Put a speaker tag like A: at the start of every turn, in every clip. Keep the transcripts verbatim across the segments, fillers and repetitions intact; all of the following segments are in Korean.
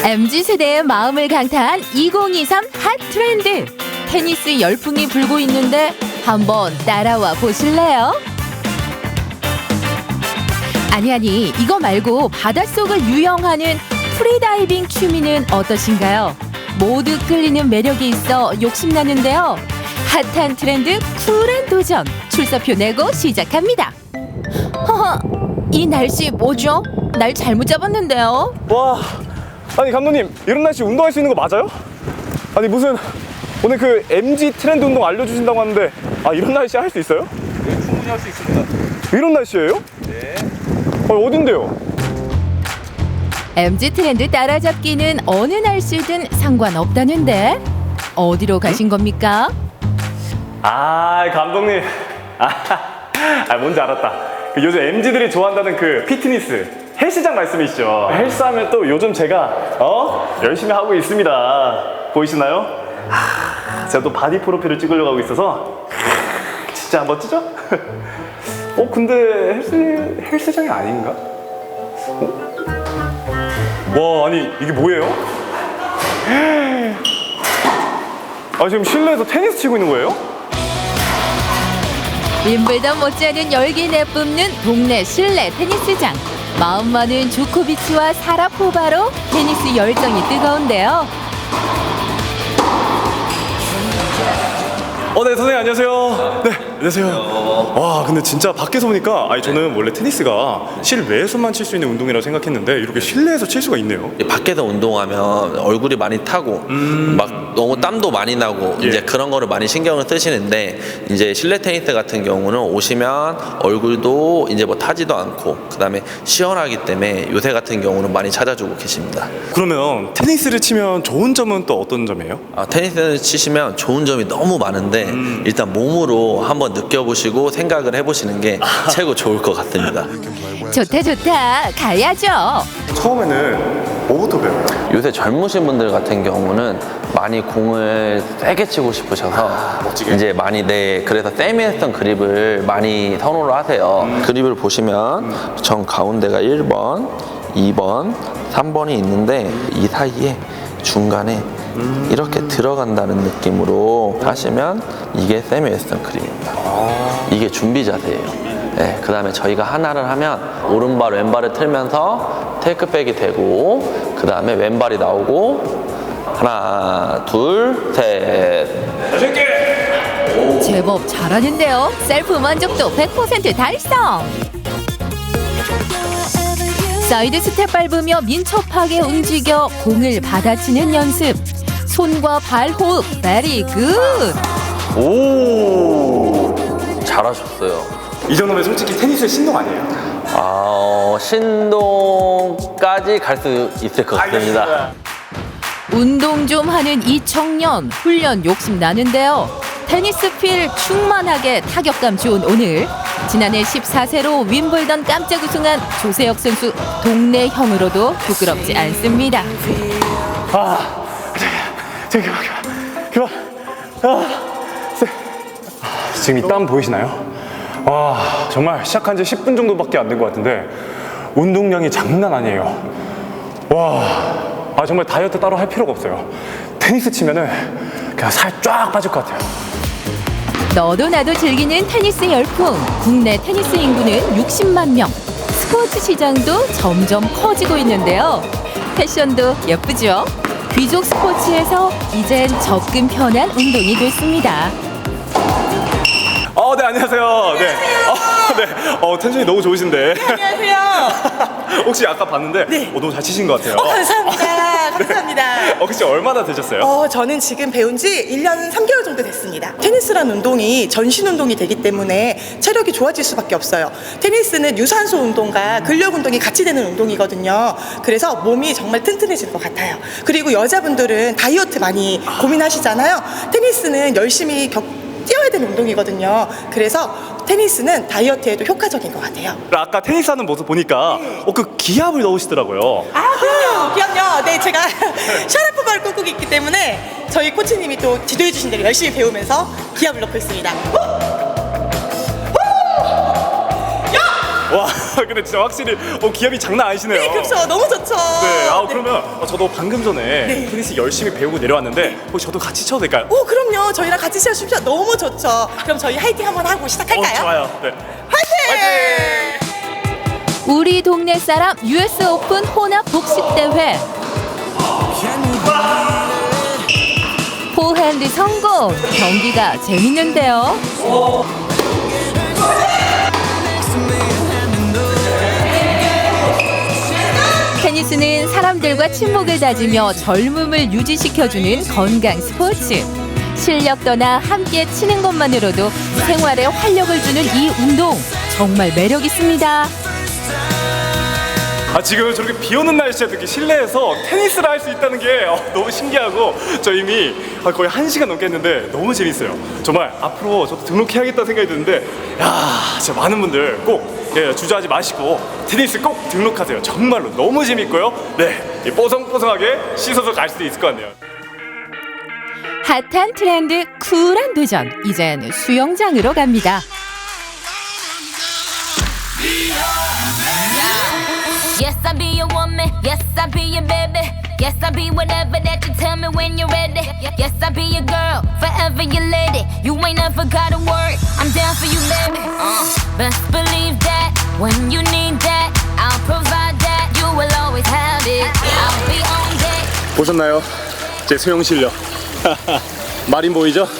A: 엠지 세대의 마음을 강타한 이천이십삼 핫 트렌드. 테니스 열풍이 불고 있는데 한번 따라와 보실래요? 아니 아니 이거 말고 바닷속을 유영하는 프리다이빙 취미는 어떠신가요? 모두 끌리는 매력이 있어 욕심나는데요. 핫한 트렌드 쿨한 도전 출사표 내고 시작합니다. 허허, 이 날씨 뭐죠? 날 잘못 잡았는데요.
B: 와, 아니 감독님 이런 날씨 운동할 수 있는 거 맞아요? 아니 무슨 오늘 그 엠지 트렌드 운동 알려주신다고 하는데 아 이런 날씨 할 수 있어요?
C: 네, 충분히 할 수 있습니다.
B: 이런 날씨예요?
C: 네.
B: 아, 어딘데요?
A: 엠지 트렌드 따라잡기는 어느 날씨든 상관없다는데 어디로 가신 겁니까?
B: 아 감독님 아, 아 뭔지 알았다. 그 요즘 엠지들이 좋아한다는 그 피트니스 헬스장 말씀이시죠? 헬스하면 또 요즘 제가 어 열심히 하고 있습니다. 보이시나요? 하, 제가 또 바디 프로필을 찍으려고 하고 있어서 진짜 한번 찌죠? 어 근데 헬스 헬스장이 아닌가? 어? 와 아니 이게 뭐예요? 아 지금 실내에서 테니스 치고 있는 거예요?
A: 윈블던 못지않은 열기 내뿜는 동네 실내 테니스장. 마음만은 조코비치와 사라포바로 테니스 열정이 뜨거운데요.
B: 어, 네, 선생님 안녕하세요. 네, 안녕하세요. 와, 근데 진짜 밖에서 보니까 아니 저는 원래 테니스가 실외에서만 칠 수 있는 운동이라고 생각했는데 이렇게 실내에서 칠 수가 있네요.
D: 밖에서 운동하면 얼굴이 많이 타고
B: 음.
D: 막 너무 땀도 많이 나고
B: 예.
D: 이제 그런 거를 많이 신경을 쓰시는데 이제 실내 테니스 같은 경우는 오시면 얼굴도 이제 뭐 타지도 않고 그다음에 시원하기 때문에 요새 같은 경우는 많이 찾아주고 계십니다.
B: 그러면 테니스를 치면 좋은 점은 또 어떤 점이에요?
D: 아, 테니스를 치시면 좋은 점이 너무 많은데
B: 음.
D: 일단 몸으로 한번 느껴보시고 생각을 해보시는 게 최고 좋을 것 같습니다.
A: 좋다 좋다 가야죠.
B: 처음에는 뭐부터 배워요?
D: 요새 젊으신 분들 같은 경우는 많이 공을 세게 치고 싶으셔서
B: 멋지게?
D: 이제 많이 네 그래서 세미했던 그립을 많이 선호를 하세요.
B: 음.
D: 그립을 보시면 정 가운데가 일 번, 이 번, 삼 번이 있는데 이 사이에 중간에
B: 음.
D: 이렇게 들어간다는 느낌으로 하시면 이게 세미 웨스턴 그립입니다.
B: 아.
D: 이게 준비 자세예요. 네, 그 다음에 저희가 하나를 하면 오른발 왼발을 틀면서 테이크백이 되고 그 다음에 왼발이 나오고 하나 둘셋
A: 제법 잘하는데요. 셀프 만족도 백 퍼센트 달성. 사이드 스텝 밟으며 민첩하게 움직여 공을 받아치는 연습. 손과 발 호흡 베리 굿.
B: 오,
D: 잘하셨어요.
B: 이 정도면 솔직히 테니스의 신동 아니에요?
D: 아, 어, 신동까지 갈 수 있을 것 같습니다.
A: 운동 좀 하는 이 청년 훈련 욕심 나는데요. 테니스 필 충만하게 타격감 좋은 오늘. 지난해 십사 세로 윈블던 깜짝 우승한 조세혁 선수 동네 형으로도 부끄럽지 않습니다.
B: 아, 저기 그만 그만 그만. 아, 세. 아, 지금 이 땀 보이시나요? 와 정말 시작한 지 십 분 정도밖에 안 된 것 같은데 운동량이 장난 아니에요. 와, 아 정말 다이어트 따로 할 필요가 없어요. 테니스 치면은 그냥 살 쫙 빠질 것 같아요.
A: 너도 나도 즐기는 테니스 열풍. 국내 테니스 인구는 육십만 명. 스포츠 시장도 점점 커지고 있는데요. 패션도 예쁘죠? 귀족 스포츠에서 이젠 접근 편한 운동이 됐습니다.
B: 어, 네 안녕하세요. 네. 어, 네. 어 텐션이 너무 좋으신데.
E: 안녕하세요.
B: 혹시 아까 봤는데
E: 네.
B: 어, 너무 잘 치신 것 같아요.
E: 어, 감사합니다. 감사합니다.
B: 어, 혹시 얼마나 되셨어요?
E: 어, 저는 지금 배운 지 일 년 삼 개월 정도 됐습니다. 테니스라는 운동이 전신 운동이 되기 때문에 체력이 좋아질 수밖에 없어요. 테니스는 유산소 운동과 근력 운동이 같이 되는 운동이거든요. 그래서 몸이 정말 튼튼해질 것 같아요. 그리고 여자분들은 다이어트 많이 고민하시잖아요. 테니스는 열심히 격, 뛰어야 되는 운동이거든요. 그래서 테니스는 다이어트에도 효과적인 것 같아요.
B: 아까 테니스 하는 모습 보니까 어, 그 기압을 넣으시더라고요.
E: 아, 그럼요. 그럼요. 네, 제가 샤라포바를 꿈꾸고 있기 때문에 저희 코치님이 또 지도해 주신 대로 열심히 배우면서 기합을 넣고 있습니다. 야!
B: 와, 근데 진짜 확실히 어, 기압이 장난 아니시네요.
E: 네, 그렇죠. 너무 좋죠.
B: 네, 아 그러면 어, 저도 방금 전에 테니스 열심히 배우고 내려왔는데 혹시 저도 같이 쳐도 될까요?
E: 오, 그럼요. 저희랑 같이 시작하십시오. 너무 좋죠. 그럼 저희 화이팅 한번 하고
B: 어,
E: 시작할까요?
B: 좋아요. 네.
E: 화이팅!
A: 우리 동네 사람 유에스 오픈 혼합 복식 대회. 포핸드 성공. 경기가 재밌는데요. 테니스는 사람들과 친목을 다지며 젊음을 유지시켜주는 건강 스포츠. 실력도나 함께 치는 것만으로도 생활에 활력을 주는 이 운동 정말 매력 있습니다.
B: 아 지금 저렇게 비 오는 날씨에 이렇게 실내에서 테니스를 할 수 있다는 게 어, 너무 신기하고 저 이미 아, 거의 한 시간 넘게 했는데 너무 재밌어요. 정말 앞으로 저도 등록해야겠다 생각이 드는데 야 진짜 많은 분들 꼭 예, 주저하지 마시고 테니스 꼭 등록하세요. 정말로 너무 재밌고요. 네, 이 뽀송뽀송하게 씻어서 갈 수도 있을 것 같네요.
A: 핫한 트렌드 쿨한 도전. 이젠 수영장으로 갑니다.
F: Yes, I'll be your woman. Yes, I'll be your baby. Yes, I'll be whatever that you tell me when you're ready. Yes, I'll be your girl, forever your lady. You ain't never gotta worry. I'm down for you, baby. Uh, best believe that when you need that, I'll provide that. You will always have it. I'll be on deck.
B: 보셨나요? 제 수영 실력. 마린 보이죠? 어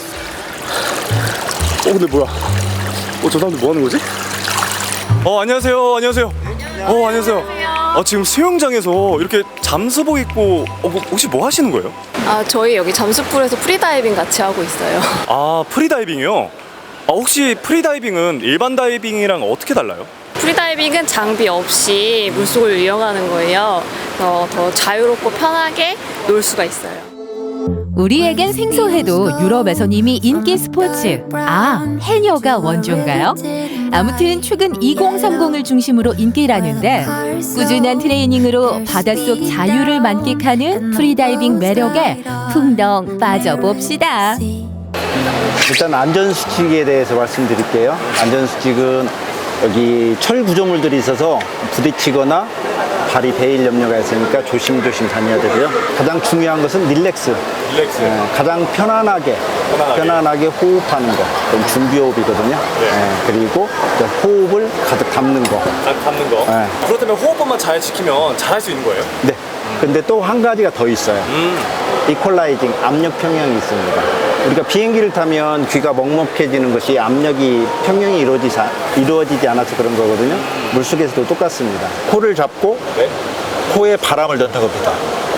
B: 근데 뭐야? 어 저 사람들 뭐 하는 거지? 어 안녕하세요. 안녕하세요. 어 안녕하세요. 아 지금 수영장에서 이렇게 잠수복 입고 어, 뭐, 혹시 뭐 하시는 거예요?
G: 아, 저희 여기 잠수풀에서 프리다이빙 같이 하고 있어요.
B: 아 프리다이빙이요? 아 혹시 프리다이빙은 일반 다이빙이랑 어떻게 달라요?
G: 프리다이빙은 장비 없이 물속을 이용하는 거예요. 어, 더 자유롭고 편하게 놀 수가 있어요.
A: 우리에겐 생소해도 유럽에선 이미 인기 스포츠. 아, 해녀가 원조인가요? 아무튼 최근 이공삼공을 중심으로 인기라는데 꾸준한 트레이닝으로 바닷속 자유를 만끽하는 프리다이빙 매력에 풍덩 빠져봅시다.
H: 일단 안전수칙에 대해서 말씀드릴게요. 안전수칙은 여기 철 구조물들이 있어서 부딪히거나 발이 베일 염려가 있으니까 조심조심 다녀야 되고요. 가장 중요한 것은 릴렉스.
B: 릴렉스.
H: 예, 가장 편안하게,
B: 편안하게,
H: 편안하게 호흡하는 거. 그건 준비호흡이거든요.
B: 네.
H: 예, 그리고 이제 호흡을 가득 담는 거.
B: 딱 담는 거.
H: 네.
B: 그렇다면 호흡법만 잘 지키면 잘할 수 있는 거예요?
H: 네. 근데 또 한 가지가 더 있어요.
B: 음.
H: 이퀄라이징, 압력 평형이 있습니다. 우리가 비행기를 타면 귀가 먹먹해지는 것이 압력이 평형이 이루어지지, 이루어지지 않아서 그런 거거든요. 물속에서도 똑같습니다. 코를 잡고
B: 네.
H: 코에 바람을 넣는 겁니다.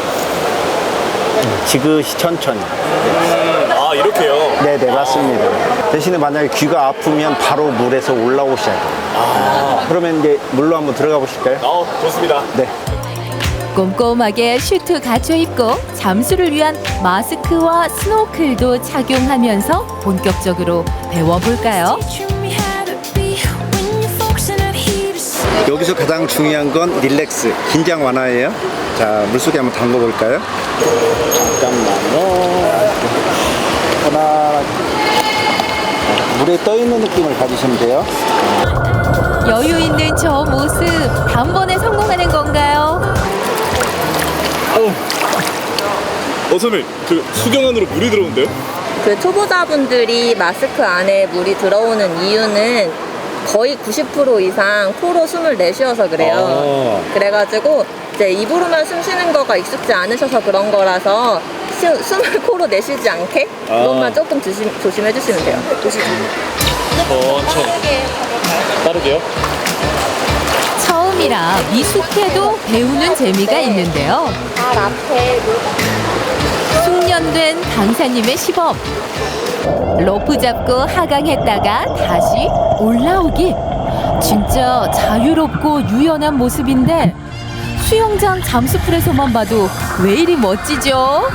H: 지그시 천천히.
B: 아 이렇게요?
H: 네네, 맞습니다. 대신에 만약에 귀가 아프면 바로 물에서 올라오셔야 돼요.
B: 아.
H: 그러면 이제 물로 한번 들어가 보실까요?
B: 어 좋습니다.
H: 네.
A: 꼼꼼하게 슈트 갖춰 입고 잠수를 위한 마스크와 스노클도 착용하면서 본격적으로 배워볼까요?
H: 여기서 가장 중요한 건 릴렉스, 긴장 완화예요. 자, 물속에 한번 담궈 볼까요? 잠깐만요. 하나, 물에 떠 있는 느낌을 가지시면 돼요.
A: 여유 있는 저 모습 단번에 성공하는 건가요?
B: 어 선생님 그 수경 안으로 물이 들어오는데요?
I: 그 초보자분들이 마스크 안에 물이 들어오는 이유는 거의 구십 퍼센트 이상 코로 숨을 내쉬어서 그래요. 그래가지고 이제 입으로만 숨 쉬는 거가 익숙지 않으셔서 그런 거라서 시, 숨을 코로 내쉬지 않게 그것만 조금 조심, 조심해 주시면 돼요.
B: 천천히. 빠르게요?
A: 처음이라 미숙해도 배우는 재미가 있는데요.
I: 발 앞에
A: 숙련된 강사님의 시범. 로프 잡고 하강했다가 다시 올라오기. 진짜 자유롭고 유연한 모습인데 수영장 잠수풀에서만 봐도 왜 이리 멋지죠?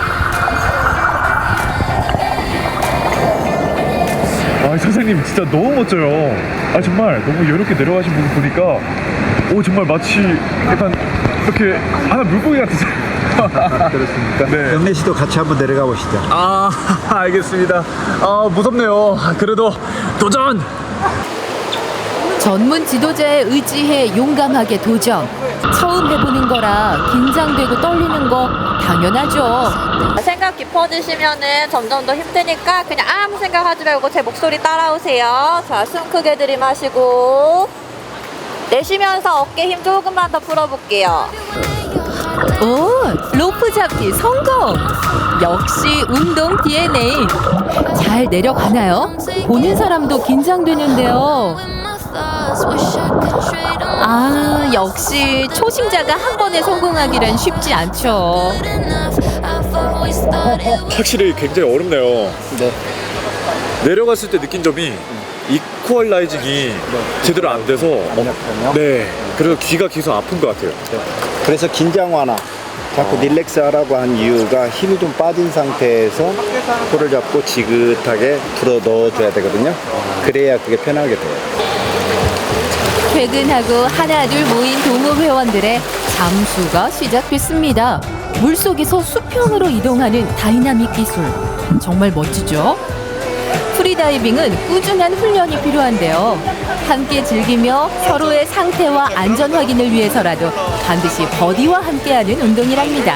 C: 아 선생님 진짜 너무 멋져요. 아 정말 너무 여유롭게 내려가신 모습 보니까 오 정말 마치 약간 이렇게 하나 물고기 같으세요.
H: 그렇습니까?
C: 네.
H: 영래 씨도 같이 한번 내려가 보시죠.
C: 아 알겠습니다. 아 무섭네요. 그래도 도전.
A: 전문 지도자에 의지해 용감하게 도전. 처음 해보는 거라 긴장되고 떨리는 거 당연하죠.
I: 생각 깊어지시면은 점점 더 힘드니까 그냥 아무 생각하지 말고 제 목소리 따라오세요. 자, 숨 크게 들이마시고 내쉬면서 어깨 힘 조금만 더 풀어볼게요.
A: 오, 로프 잡기 성공! 역시 운동 디엔에이. 잘 내려가나요? 보는 사람도 긴장되는데요. 아, 역시 초심자가 한 번에 성공하기란 쉽지 않죠.
C: 확실히 굉장히 어렵네요.
H: 네.
C: 내려갔을 때 느낀 점이 이퀄라이징이 제대로 안 돼서
H: 약하며.
C: 네, 그래서 귀가 계속 아픈 것 같아요.
H: 그래서 긴장 완화. 자꾸 릴렉스 하라고 한 이유가 힘이 좀 빠진 상태에서 코를 잡고 지긋하게 불어 넣어줘야 되거든요. 그래야 그게 편하게 돼요.
A: 퇴근하고 하나둘 모인 동호 회원들의 잠수가 시작됐습니다. 물속에서 수평으로 이동하는 다이나믹 기술. 정말 멋지죠? 프리다이빙은 꾸준한 훈련이 필요한데요. 함께 즐기며 서로의 상태와 안전 확인을 위해서라도 반드시 버디와 함께하는 운동이랍니다.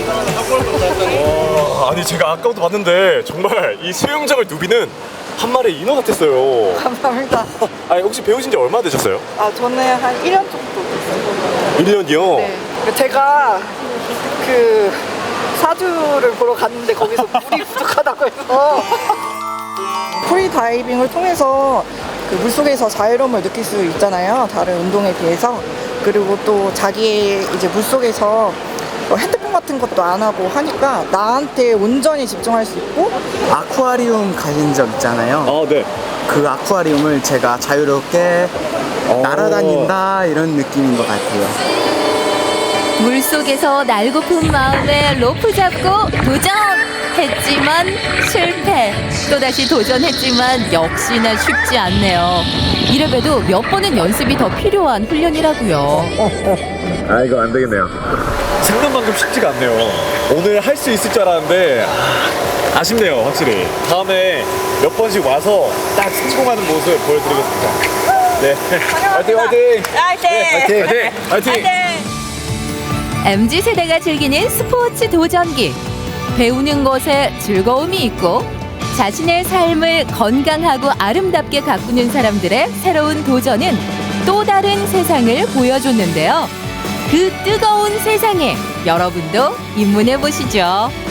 B: 와, 아니 제가 아까부터 봤는데 정말 이 수영장을 누비는 한 마리의 인어 같았어요.
J: 감사합니다.
B: 아니 혹시 배우신 지 얼마나 되셨어요?
J: 아, 저는 한 일 년 정도 됐어요.
B: 일 년이요?
J: 네. 제가 그 사주를 보러 갔는데 거기서 물이 부족하다고 해서 프리다이빙을 통해서 그 물속에서 자유로움을 느낄 수 있잖아요. 다른 운동에 비해서. 그리고 또 자기 이제 물속에서 뭐 핸드폰 같은 것도 안 하고 하니까 나한테 온전히 집중할 수 있고.
K: 아쿠아리움 가신 적 있잖아요.
B: 아, 네.
K: 그 아쿠아리움을 제가 자유롭게 날아다닌다 이런 느낌인 것 같아요.
A: 물속에서 날고픈 마음에 로프 잡고 도전! 했지만 실패. 또다시 도전했지만 역시나 쉽지 않네요. 이래봬도 몇 번은 연습이 더 필요한 훈련이라고요.
C: 아, 이거 안 되겠네요. 생각만큼 쉽지가 않네요. 오늘 할 수 있을 줄 알았는데 아, 아쉽네요, 확실히. 다음에 몇 번씩 와서 딱 성공하는 모습 보여드리겠습니다. 네, 화이팅, 화이팅!
J: 화이팅!
C: 화이팅! 화이팅!
A: 엠지 세대가 즐기는 스포츠 도전기. 배우는 것에 즐거움이 있고 자신의 삶을 건강하고 아름답게 가꾸는 사람들의 새로운 도전은 또 다른 세상을 보여줬는데요. 그 뜨거운 세상에 여러분도 입문해 보시죠.